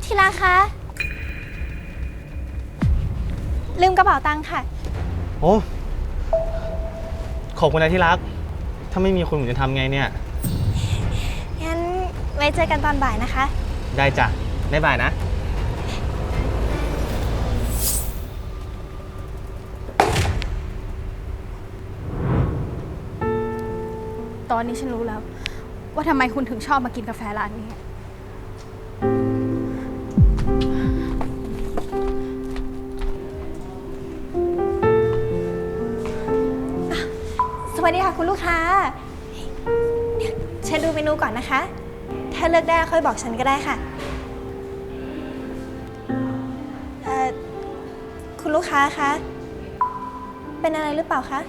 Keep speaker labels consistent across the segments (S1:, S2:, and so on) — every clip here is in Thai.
S1: ที่รักคะลืมกระเป๋าตังค์ค่ะ
S2: โอ้ขอบคุณนะที่รักถ้าไม่มีคุณผมจะทำไงเนี่ย
S1: งั้นไว้เจอกันตอนบ่ายนะคะ
S2: ได้จ้ะบ๊ายบายนะ
S3: ตอนนี้ฉันรู้แล้วว่าทำไมคุณถึงชอบมากินกาแฟร้านนี้
S1: สวัสดีค่ะคุณลูกค้าเชิญดูเมนูก่อนนะคะถ้าเลือกได้ค่อยบอกฉันก็ได้ค่ะคุณลูกค้าคะเป็นอะไรหรือเปล่าคะ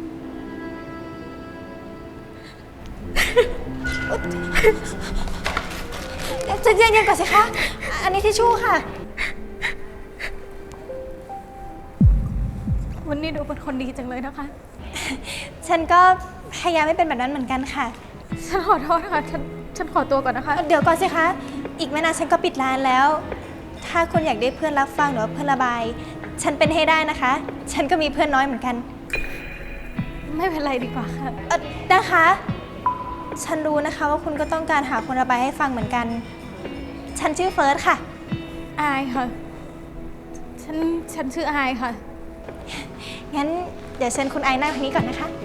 S1: ใจเย็นๆก่อนสิคะอันนี้ทิชชู่ค่ะ
S3: วันนี้ดูเป็นคนดีจังเลยนะคะ
S1: ฉันก็พยายามไม่เป็นแบบนั้นเหมือนกันค่ะ
S3: ฉันขอโทษค่ะฉันขอตัวก่อนนะคะ
S1: เดี๋ยวก่อนสิคะอีกไม่นานฉันก็ปิดร้านแล้วถ้าคุณอยากได้เพื่อนรับฟังหรือว่าเพื่อนระบายฉันเป็นให้ได้นะคะฉันก็มีเพื่อนน้อยเหมือนกัน
S3: ไม่เป็นไรดีกว่าค่ะ
S1: นะคะฉันรู้นะคะว่าคุณก็ต้องการหาคนระบายให้ฟังเหมือนกันฉันชื่อเฟิร์สค่ะ
S3: อายค่ะฉันชื่ออายค่ะ
S1: งั้นเดี๋ยวเชิญคุณไอนั่งทางนี้ก่อนนะคะ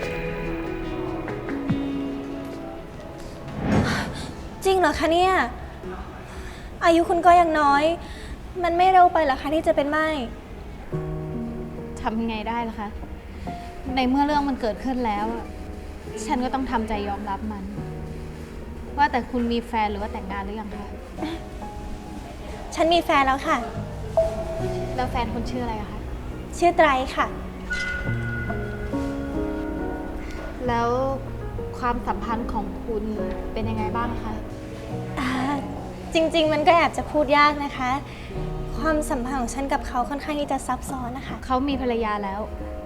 S1: จริงเหรอคะเนี่ยอายุคุณก็ยังน้อยมันไม่เร็วไปเหรอคะที่จะเป็นไม้
S3: ทำยังไงได้ล่ะคะในเมื่อเรื่องมันเกิดขึ้นแล้วฉันก็ต้องทำใจยอมรับมันว่าแต่คุณมีแฟนหรือว่าแต่งงานหรือยังคะ
S1: ฉันมีแฟนแล้วค่ะ
S3: แล้วแฟนคุณชื่ออะไรคะ
S1: ชื่อไตรค่ะ
S3: แล้วความสัมพันธ์ของคุณเป็นยังไงบ้างคะ
S1: จริงๆมันก็แอบจะพูดยากนะคะความสัมพันธ์ของฉันกับเขาค่อนข้างที่จะซับซ้อนนะคะ
S3: เขามีภรรยาแล้ว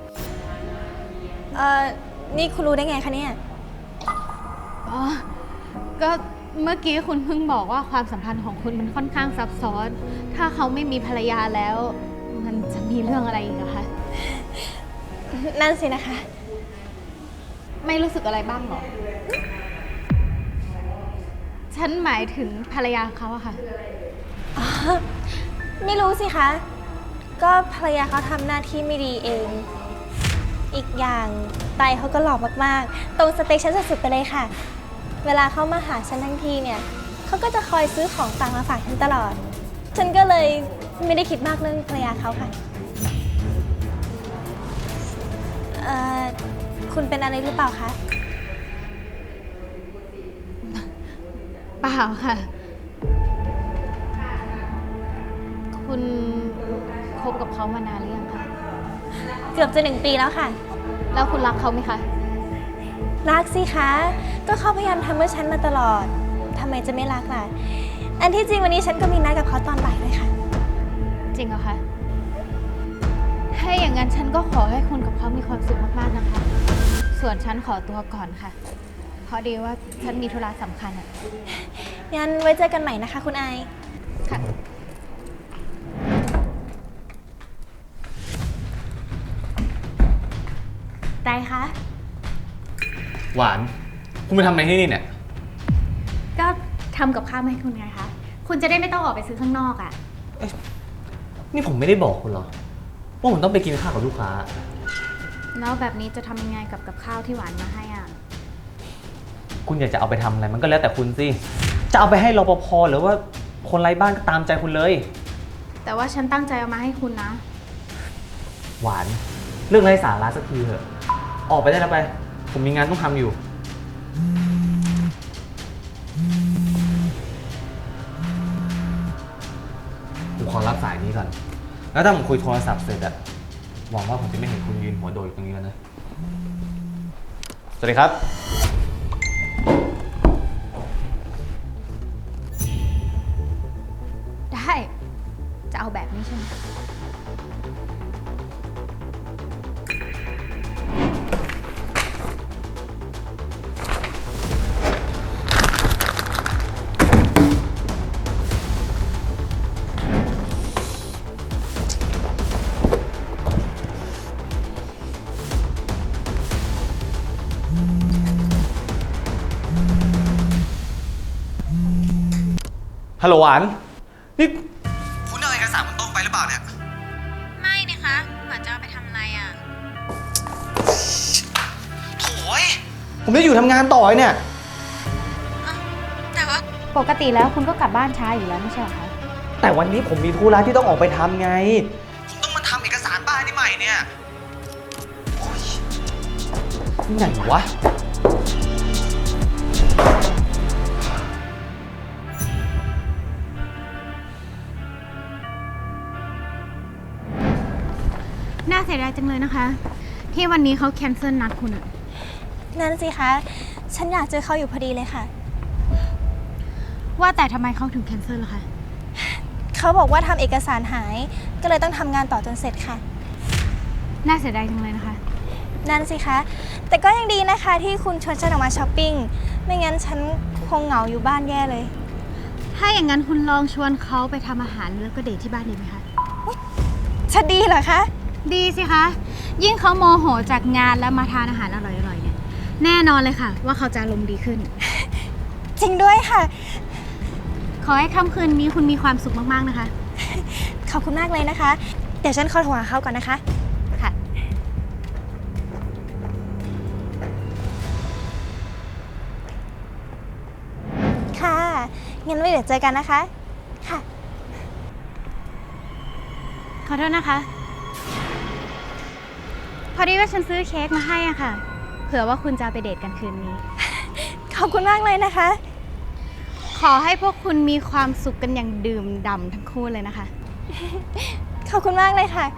S1: นี่คุณรู้ได้ไงคะเนี่ย
S3: อ๋อก็เมื่อกี้คุณเพิ่งบอกว่าความสัมพันธ์ของคุณมันค่อนข้างซับซ้อนถ้าเขาไม่มีภรรยาแล้วมันจะมีเรื่องอะไรอีกอะคะ
S1: นั่นสินะคะ
S3: ไม่รู้สึกอะไรบ้างหรอฉันหมายถึงภรรยาเขาอะค่ะ
S1: ไม่รู้สิคะก็ภรรยาเขาทำหน้าที่ไม่ดีเองอีกอย่างไตเขาก็หล่อมากๆตรงสเปคฉันสุดๆไปเลยค่ะเวลาเขามาหาฉันทั้งทีเนี่ยเขาก็จะคอยซื้อของต่างมาฝากฉันตลอดฉันก็เลยไม่ได้คิดมากเรื่องภรรยาเขาค่ะคุณเป็นอะไรหรือเปล่าคะ
S3: เปล่าค่ะคุณคบกับเขามานานหรือยังคะ
S1: เกือบจะ1 ปีแล้วค่ะ
S3: แล้วคุณรักเขาไหมคะ
S1: รักสิคะก็เขาพยายามทำเพื่อฉันมาตลอดทำไมจะไม่รักล่ะอันที่จริงวันนี้ฉันก็มีนัดกับเขาตอนบ่ายเลยค่ะ
S3: จริงเหรอคะถ้าอย่างนั้นฉันก็ขอให้คุณกับเขามีความสุขมากๆนะคะส่วนฉันขอตัวก่อนค่ะเพราะดีว่าฉันมีธุระสำคัญอ่ะ
S1: งั้นไว้เจอกันใหม่นะคะคุณไอ
S3: ค่ะ
S1: ได้คะ
S2: หวานคุณไปทำอะไรที่นี่เนี่ย
S3: ก็ทำกับข้าวให้คุณไงคะคุณจะได้ไม่ต้องออกไปซื้อข้างนอกอ่ะ
S2: นี่ผมไม่ได้บอกคุณหรอว่าผมต้องไปกินข้าวกับลูกค้า
S3: แล้วแบบนี้จะทำยังไงกับข้าวที่หวานมาให้อ่ะ
S2: คุณอยากจะเอาไปทำอะไรมันก็แล้วแต่คุณสิจะเอาไปให้รปภหรือว่าคนไร้บ้านก็ตามใจคุณเลย
S3: แต่ว่าฉันตั้งใจเอามาให้คุณนะ
S2: หวานเรื่องไร้สาระสักทีเถอะออกไปได้แล้วไปผมมีงานต้องทำอยู่ผมขอรับสายนี้ก่อนแล้วถ้าผมคุยโทรศัพท์เสร็จอะหวังว่าผมจะไม่เห็นคุณยืนหัวโดดอยู่ตรงนี้แล้วนะสวัสดีครับ
S3: ได้จะเอาแบบนี้ใช่ไหม
S2: ฮัลโหลหวาน นี่คุณเอาเอกสารบนโต๊ะไปหรือเปล่าเนี่ย
S3: ไม่นะคะหวานจะเอาไปทำอะไรอ่ะ
S2: โถ่ยผมจะอยู่ทำงานต่อเนี่ย
S3: แต่ว่าปกติแล้วคุณก็กลับบ้านช้าอยู่แล้วไม่ใช่เหรอคะ
S2: แต่วันนี้ผมมีธุระที่ต้องออกไปทำไง ผมต้องมาทำเอกสารบ้านนี่ใหม่เนี่ยโอ๊ยไหนวะ
S3: น่าเสียดายจังเลยนะคะ ที่วันนี้เขาแคนเซิลนัดคุณอะ
S1: นั่นสิคะ ฉันอยากเจอเขาอยู่พอดีเลยค่ะ
S3: ว่าแต่ทำไมเขาถึงแคนเซิลล่ะคะ
S1: เขาบอกว่าทำเอกสารหาย ก็เลยต้องทำงานต่อจนเสร็จค่ะ
S3: น่าเสียดายจังเลยนะคะ
S1: นั่นสิคะ แต่ก็ยังดีนะคะที่คุณชวนฉันออกมาช้อปปิ้ง ไม่งั้นฉันคงเหงาอยู่บ้านแย่เลย
S3: ถ้าอย่างนั้นคุณลองชวนเขาไปทำอาหารแล้วก็เดทที่บ้านดีไหมคะ
S1: จะดีเหรอคะ
S3: ดีสิคะ ยิ่งเขาโมโหจากงานแล้วมาทานอาหารอร่อยๆเนี่ย แน่นอนเลยค่ะ ว่าเขาจะอารมณ์ดีขึ้น
S1: จริงด้วยค่ะ
S3: ขอให้ค่ำคืนนี้คุณมีความสุขมากๆนะคะ
S1: ขอบคุณมากเลยนะคะ เดี๋ยวฉันขอโทรหาเขาก่อนนะคะ
S3: ค่ะ
S1: ค่ะ งั้นไว้เดี๋ยวเจอกันนะคะ ค่ะ
S3: ขอโทษนะคะ พอดีว่าฉันซื้อเค้กมาให้อะค่ะ เผื่อว่าคุณจะเอาไปเดทกันคืนนี้
S1: ขอบคุณมากเลยนะคะ
S3: ขอให้พวกคุณมีความสุขกันอย่างดื่มด่ำทั้งคู่เลยนะคะ
S1: ขอบคุณมากเลยค่ะ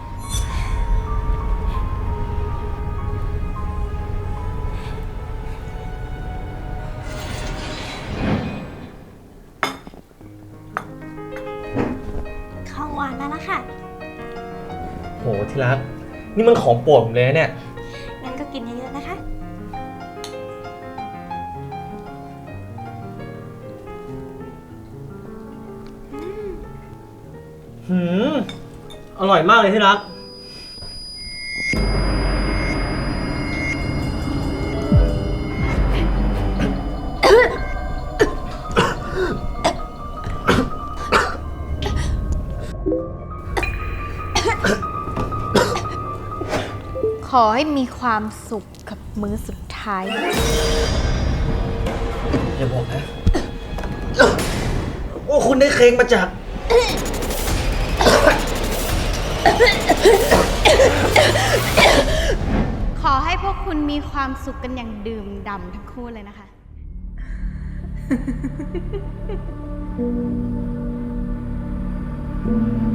S1: ของหวานแล้วนะคะ
S2: โหที่รัก นี่มันของโปรดผมเลยนะเนี่ย
S1: งั้นก็กินเยอะๆนะคะ
S2: อร่อยมากเลยที่รัก
S3: ขอให้มีความสุขกับมื้อสุดท้าย
S2: อย่าบอกนะว่าคุณได้เค้กมาจาก
S3: ขอให้พวกคุณมีความสุขกันอย่างดื่มด่ำทั้งคู่เลยนะคะ
S1: Thank you.